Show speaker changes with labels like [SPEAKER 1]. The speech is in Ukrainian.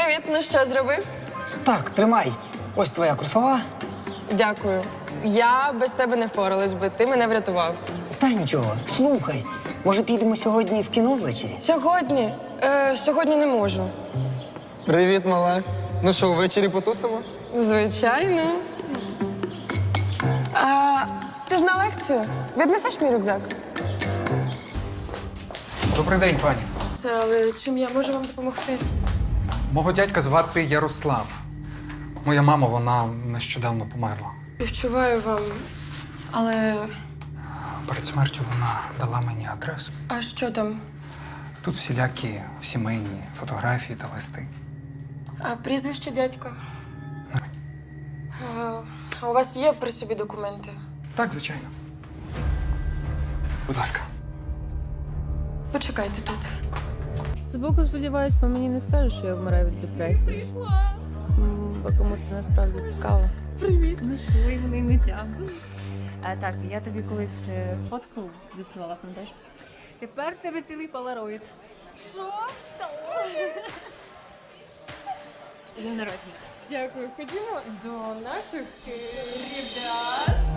[SPEAKER 1] Привіт, ну що, зробив?
[SPEAKER 2] Так, тримай. Ось твоя курсова.
[SPEAKER 1] Дякую. Я без тебе не впоралась би, ти мене врятував.
[SPEAKER 2] Та нічого. Слухай, може підемо сьогодні в кіно ввечері?
[SPEAKER 1] Сьогодні? Сьогодні не можу.
[SPEAKER 3] Привіт, мала. Ну що, ввечері потусимо?
[SPEAKER 1] Звичайно. Ти ж на лекцію. Віднесеш мій рюкзак?
[SPEAKER 4] Добрий день, пані.
[SPEAKER 1] Це, але чим я можу вам допомогти?
[SPEAKER 4] Мого дядька звати Ярослав. Моя мама, вона нещодавно померла.
[SPEAKER 1] Співчуваю вам, але...
[SPEAKER 4] Перед смертю вона дала мені адресу.
[SPEAKER 1] А що там?
[SPEAKER 4] Тут всілякі сімейні фотографії та листи.
[SPEAKER 1] А прізвище дядька? А у вас є при собі документи?
[SPEAKER 4] Так, звичайно. Будь ласка.
[SPEAKER 1] Почекайте тут.
[SPEAKER 5] Збоку, сподіваюсь, по мені не скажеш, що я вмираю від депресії. Бо кому це насправді цікаво.
[SPEAKER 6] Привіт. Знайшли вони миття. Так, я тобі колись фотку зіпсувала, пам'ятаєш? Тепер в тебе цілий полароїд. Що? День народження.
[SPEAKER 1] Дякую. Ходімо до наших ребят.